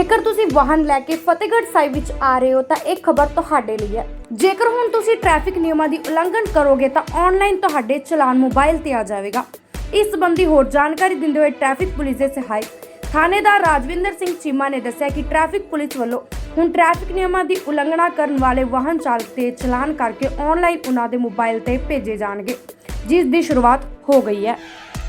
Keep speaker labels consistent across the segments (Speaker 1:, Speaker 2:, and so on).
Speaker 1: ਜੇਕਰ ਤੁਸੀਂ ਵਾਹਨ ਲੈ ਕੇ ਫਤਿਹਗੜ੍ਹ ਸਾਹਿਬ ਵਿੱਚ ਆ ਰਹੇ ਹੋ ਤਾਂ ਇਹ ਖਬਰ ਤੁਹਾਡੇ ਲਈ ਹੈ। ਜੇਕਰ ਹੁਣ ਤੁਸੀਂ ਟ੍ਰੈਫਿਕ ਨਿਯਮਾਂ ਦੀ ਉਲੰਘਣ ਕਰੋਗੇ ਤਾਂ ਆਨਲਾਈਨ ਤੁਹਾਡੇ ਚਲਾਨ ਮੋਬਾਈਲ ਤੇ ਆ ਜਾਵੇਗਾ। ਇਸ ਸੰਬੰਧੀ ਹੋਰ ਜਾਣਕਾਰੀ ਦਿੰਦੇ ਹੋਏ ਟ੍ਰੈਫਿਕ ਪੁਲਿਸ ਦੇ ਸਹਾਇਕ ਥਾਣੇਦਾਰ ਰਾਜਵਿੰਦਰ ਸਿੰਘ ਚੀਮਾ ਨੇ ਦੱਸਿਆ ਕਿ ਟ੍ਰੈਫਿਕ ਪੁਲਿਸ ਵੱਲੋਂ ਹੁਣ ਟ੍ਰੈਫਿਕ ਨਿਯਮਾਂ ਦੀ ਉਲੰਘਣਾ ਕਰਨ ਵਾਲੇ ਵਾਹਨ ਚਾਲਕ ਦੇ ਚਲਾਨ ਕਰਕੇ ਆਨਲਾਈਨ ਉਹਨਾਂ ਦੇ ਮੋਬਾਈਲ ਤੇ ਭੇਜੇ ਜਾਣਗੇ, ਜਿਸ ਦੀ ਸ਼ੁਰੂਆਤ ਹੋ ਗਈ ਹੈ।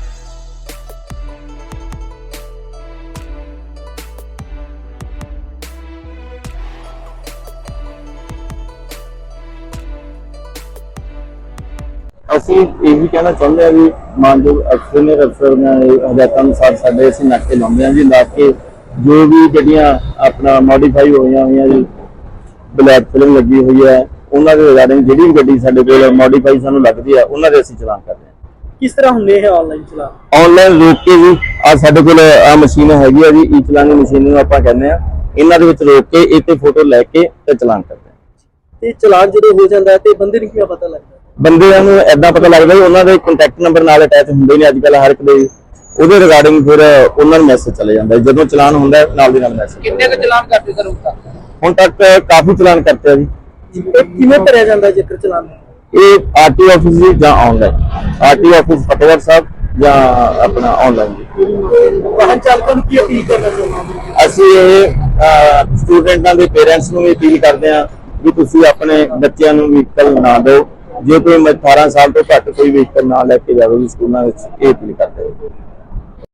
Speaker 2: ਅਸੀਂ ਇਹੀ ਕਹਿਣਾ ਚਾਹੁੰਦੇ ਹਾਂ ਵੀ ਮਾਨਯੋਗ ਅਫਸਰ ਨੇ ਹਦਾਇਤਾਂ ਅਨੁਸਾਰ ਸਾਡੇ ਅਸੀਂ ਨਾਕੇ ਲਾਉਂਦੇ ਹਾਂ ਜੀ। ਲਾ ਕੇ ਜੋ ਵੀ ਗੱਡੀਆਂ ਆਪਣਾ ਮੋਡੀਫਾਈ ਹੋਈਆਂ ਜੀ, ਬਲੈਕ ਫਿਲਮ ਲੱਗੀ ਹੋਈ ਹੈ, ਉਹਨਾਂ ਦੇ ਰਿਗਾਰਡਿੰਗ ਜਿਹੜੀ ਵੀ ਗੱਡੀ ਸਾਡੇ ਕੋਲ ਮੋਡੀਫਾਈ ਸਾਨੂੰ ਲੱਗਦੀ ਆ ਉਹਨਾਂ ਦੇ ਅਸੀਂ ਚਲਾਨ ਕਰਦੇ ਹਾਂ।
Speaker 3: ਕਿਸ ਤਰ੍ਹਾਂ ਹੁੰਦੇ ਇਹ ਆਨਲਾਈਨ ਚਲਾਨ?
Speaker 2: ਆਨਲਾਈਨ ਰੋਕ ਕੇ ਜੀ ਆ ਸਾਡੇ ਕੋਲ ਆ ਮਸ਼ੀਨ ਹੈਗੀ ਆ ਜੀ, ਈ ਚਲਾਨ ਮਸ਼ੀਨ ਨੂੰ ਆਪਾਂ ਕਹਿੰਦੇ ਆ। ਇਹਨਾਂ ਦੇ ਵਿੱਚ ਰੋਕ ਕੇ ਇਹ ਤੇ ਫੋਟੋ ਲੈ ਕੇ ਤੇ ਚਲਾਨ ਕਰਦੇ ਹਾਂ।
Speaker 3: ਤੇ ਚਲਾਨ ਜਦੋਂ ਹੋ ਜਾਂਦਾ ਤੇ ਬੰਦੇ ਨੂੰ ਕਿਵੇਂ ਪਤਾ ਲੱਗਦਾ?
Speaker 2: ਬੰਦਿਆਂ ਨੂੰ ਏਦਾਂ ਪਤਾ ਲੱਗਦਾ ਵੀ ਉਹਨਾਂ ਦੇ ਕੰਟੈਕਟ ਨੰਬਰ ਨਾਲ ਅਟੈਚ ਹੁੰਦੇ ਨੇ ਅੱਜ ਕੱਲ ਹਰ ਇੱਕ ਦੇ, ਉਹਦੇ ਰਿਗਾਰਡਿੰਗ ਫਿਰ ਉਹਨਾਂ ਨੂੰ ਮੈਸੇਜ ਚਲੇ ਜਾਂਦਾ ਜਦੋਂ ਚਲਾਨ ਹੁੰਦਾ ਨਾਲ ਦੀ ਨਾਲ ਮੈਸੇਜ।
Speaker 3: ਕਿੰਨੇ ਕੁ ਚਲਾਨ ਕਰਦੇ ਸਰ
Speaker 2: ਹੁਣ ਤੱਕ ਕਾਫੀ ਚਲਾਨ ਕਰਤੇ ਆ ਜੀ।
Speaker 3: ਇਹ ਕਿਵੇਂ ਭਰਿਆ ਜਾਂਦਾ ਜੇਕਰ ਚਲਾਨ?
Speaker 2: ਇਹ ਆਰਟੀ ਆਫਿਸ ਜੀ ਜਾਂ online, RT office Fatehgarh Sahib ਜਾਂ ਆਪਣਾ ਆਨਲਾਈਨ ਜੀ।
Speaker 3: ਵਾਹਨ ਚਾਲਕਾਂ ਨੂੰ ਕੀ ਅਪੀਲ ਕਰਨਾ ਚਾਹੁੰਦੇ?
Speaker 2: ਅਸੀਂ ਇਹ ਸਟੂਡੈਂਟਾਂ ਦੇ ਪੇਰੈਂਟਸ ਨੂੰ ਵੀ ਅਪੀਲ ਕਰਦੇ ਹਾਂ ਵੀ ਤੁਸੀਂ ਆਪਣੇ ਬੱਚਿਆਂ ਨੂੰ ਵਹੀਕਲ ਨਾ ਦਿਓ। ਜੇ ਕੋਈ 18 ਸਾਲ ਤੋਂ ਘੱਟ ਕੋਈ ਵਹੀਕਲ ਨਾ ਲੈ ਕੇ ਜਾਵੇ ਸਕੂਲਾਂ ਵਿੱਚ, ਇਹ ਅਪੀਲ ਕਰਦੇ ਹਾਂ।